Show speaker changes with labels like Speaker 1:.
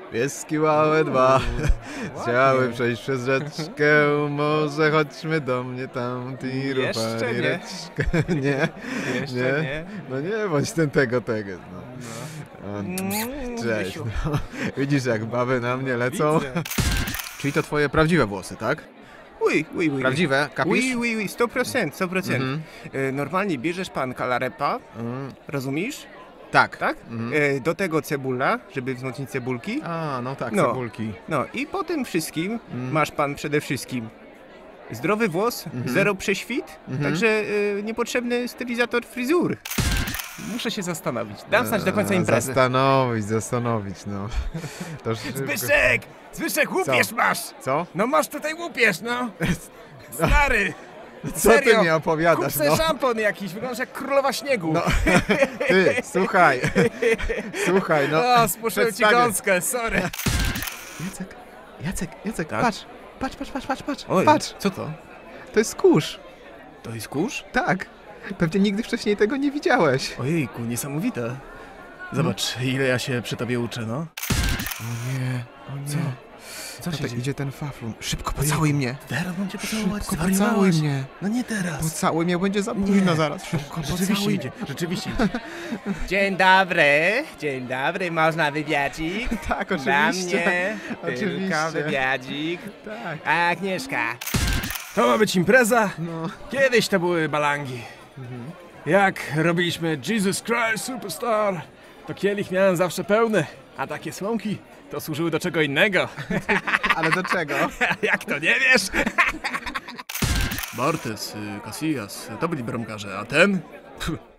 Speaker 1: Pieski małe dwa chciały przejść przez rzeczkę, może chodźmy do mnie tam, tiru,
Speaker 2: Jeszcze nie.
Speaker 1: reczkę. Nie,
Speaker 2: Jeszcze nie.
Speaker 1: No nie, bądź tego. No. Cześć.
Speaker 2: Grzesiu.
Speaker 1: No. Widzisz, jak baby na mnie lecą?
Speaker 2: Widzę.
Speaker 1: Czyli to twoje prawdziwe włosy, tak?
Speaker 2: Oui.
Speaker 1: Prawdziwe, kapisz?
Speaker 2: Oui, 100%. Normalnie bierzesz pan kalarepa, rozumiesz?
Speaker 1: Tak.
Speaker 2: Tak? Do tego cebula, żeby wzmocnić cebulki.
Speaker 1: A, no tak,
Speaker 2: No.
Speaker 1: cebulki.
Speaker 2: No i po tym wszystkim masz pan przede wszystkim zdrowy włos, zero prześwit, także niepotrzebny stylizator fryzur. Muszę się zastanowić. Dam znać do końca imprezy.
Speaker 1: Zastanowić, no. To szybko.
Speaker 2: Zbyszek, łupież masz!
Speaker 1: Co?
Speaker 2: No masz tutaj łupież, no! Stary!
Speaker 1: Co ty
Speaker 2: Serio?
Speaker 1: mi opowiadasz,
Speaker 2: Kup sobie
Speaker 1: no?
Speaker 2: szampon jakiś, wyglądasz jak królowa śniegu.
Speaker 1: No. Ty, słuchaj, no.
Speaker 2: O, spuszczę ci
Speaker 1: przedstawię.
Speaker 2: gąskę, sorry.
Speaker 1: Jacek,
Speaker 2: Tak?
Speaker 1: patrz.
Speaker 2: Oj,
Speaker 1: Patrz,
Speaker 2: co to?
Speaker 1: to jest kurz.
Speaker 2: To jest kurz?
Speaker 1: Tak. Pewnie nigdy wcześniej tego nie widziałeś.
Speaker 2: Ojejku, niesamowite. Zobacz, ile ja się przy tobie uczę, no.
Speaker 1: O nie.
Speaker 2: Co się
Speaker 1: Tutaj
Speaker 2: dzieje?
Speaker 1: idzie ten faflun. Szybko pocałuj mnie.
Speaker 2: Teraz mam cię pocałować,
Speaker 1: Szybko pocałuj mnie.
Speaker 2: No nie teraz.
Speaker 1: Pocałuj mnie, będzie za późno zaraz. Szybko pocałuj mnie.
Speaker 2: Rzeczywiście idzie. Dzień dobry, można wywiadzik?
Speaker 1: Tak,
Speaker 2: Dla
Speaker 1: oczywiście.
Speaker 2: mnie,
Speaker 1: Oczywiście.
Speaker 2: tylko wywiadzik.
Speaker 1: Tak.
Speaker 2: A Agnieszka? To ma być impreza?
Speaker 1: No.
Speaker 2: Kiedyś to były balangi. Jak robiliśmy Jesus Christ Superstar, to kielich miałem zawsze pełny, a takie słomki to służyły do czego innego.
Speaker 1: Ale do czego?
Speaker 2: Jak to nie wiesz? Bartes, Casillas, to byli bramkarze, a ten?